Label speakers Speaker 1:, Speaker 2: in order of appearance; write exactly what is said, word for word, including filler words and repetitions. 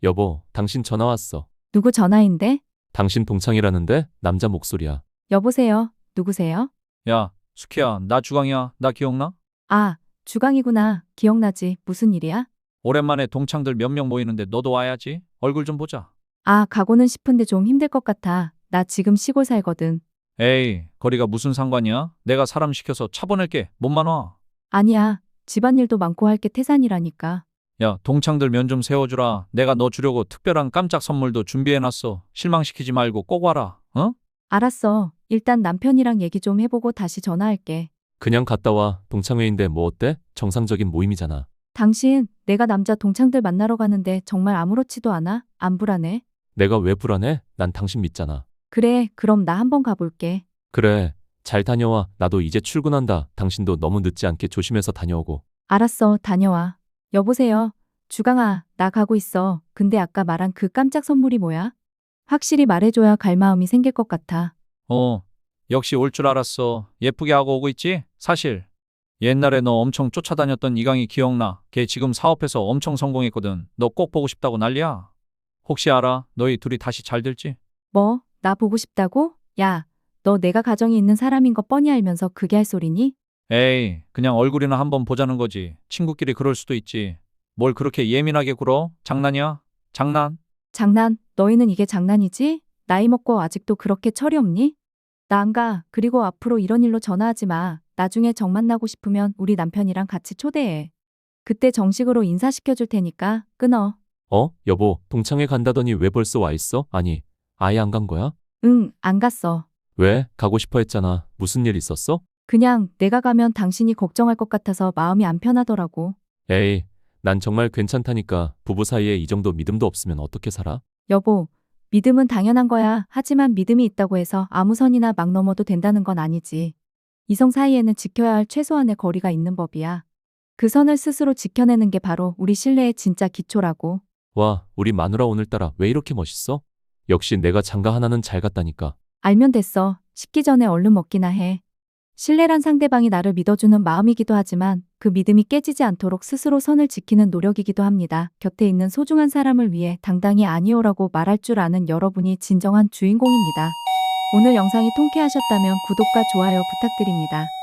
Speaker 1: 여보, 당신 전화 왔어.
Speaker 2: 누구 전화인데?
Speaker 1: 당신 동창이라는데 남자 목소리야.
Speaker 2: 여보세요? 누구세요?
Speaker 3: 야, 수키야, 나 주광이야. 나 기억나?
Speaker 2: 아, 주강이구나. 기억나지. 무슨 일이야?
Speaker 3: 오랜만에 동창들 몇 명 모이는데 너도 와야지. 얼굴 좀 보자.
Speaker 2: 아, 가고는 싶은데 좀 힘들 것 같아. 나 지금 시골 살거든.
Speaker 3: 에이, 거리가 무슨 상관이야? 내가 사람 시켜서 차 보낼게. 몸만 와.
Speaker 2: 아니야. 집안일도 많고 할 게 태산이라니까.
Speaker 3: 야, 동창들 면 좀 세워주라. 내가 너 주려고 특별한 깜짝 선물도 준비해놨어. 실망시키지 말고 꼭 와라. 어?
Speaker 2: 알았어. 일단 남편이랑 얘기 좀 해보고 다시 전화할게.
Speaker 1: 그냥 갔다 와. 동창회인데 뭐 어때? 정상적인 모임이잖아.
Speaker 2: 당신, 내가 남자 동창들 만나러 가는데 정말 아무렇지도 않아? 안 불안해?
Speaker 1: 내가 왜 불안해? 난 당신 믿잖아.
Speaker 2: 그래, 그럼 나 한번 가볼게.
Speaker 1: 그래, 잘 다녀와. 나도 이제 출근한다. 당신도 너무 늦지 않게 조심해서 다녀오고.
Speaker 2: 알았어, 다녀와. 여보세요? 주강아, 나 가고 있어. 근데 아까 말한 그 깜짝 선물이 뭐야? 확실히 말해줘야 갈 마음이 생길 것 같아.
Speaker 3: 어, 역시 올 줄 알았어. 예쁘게 하고 오고 있지? 사실 옛날에 너 엄청 쫓아다녔던 이강이 기억나. 걔 지금 사업해서 엄청 성공했거든. 너 꼭 보고 싶다고 난리야. 혹시 알아? 너희 둘이 다시 잘 될지?
Speaker 2: 뭐? 나 보고 싶다고? 야, 너 내가 가정이 있는 사람인 거 뻔히 알면서 그게 할 소리니?
Speaker 3: 에이, 그냥 얼굴이나 한번 보자는 거지. 친구끼리 그럴 수도 있지. 뭘 그렇게 예민하게 굴어? 장난이야? 장난?
Speaker 2: 장난, 너희는 이게 장난이지? 나이 먹고 아직도 그렇게 철이 없니? 나 안 가. 그리고 앞으로 이런 일로 전화하지 마. 나중에 정 만나고 싶으면 우리 남편이랑 같이 초대해. 그때 정식으로 인사시켜줄 테니까 끊어.
Speaker 1: 어? 여보, 동창회 간다더니 왜 벌써 와 있어? 아니, 아예 안 간 거야?
Speaker 2: 응, 안 갔어.
Speaker 1: 왜? 가고 싶어 했잖아. 무슨 일 있었어?
Speaker 2: 그냥 내가 가면 당신이 걱정할 것 같아서 마음이 안 편하더라고.
Speaker 1: 에이, 난 정말 괜찮다니까. 부부 사이에 이 정도 믿음도 없으면 어떻게 살아?
Speaker 2: 여보, 믿음은 당연한 거야. 하지만 믿음이 있다고 해서 아무 선이나 막 넘어도 된다는 건 아니지. 이성 사이에는 지켜야 할 최소한의 거리가 있는 법이야. 그 선을 스스로 지켜내는 게 바로 우리 신뢰의 진짜 기초라고.
Speaker 1: 와, 우리 마누라 오늘따라 왜 이렇게 멋있어? 역시 내가 장가 하나는 잘 갔다니까.
Speaker 2: 알면 됐어. 식기 전에 얼른 먹기나 해. 신뢰란 상대방이 나를 믿어주는 마음이기도 하지만 그 믿음이 깨지지 않도록 스스로 선을 지키는 노력이기도 합니다. 곁에 있는 소중한 사람을 위해 당당히 아니오라고 말할 줄 아는 여러분이 진정한 주인공입니다. 오늘 영상이 통쾌하셨다면 구독과 좋아요 부탁드립니다.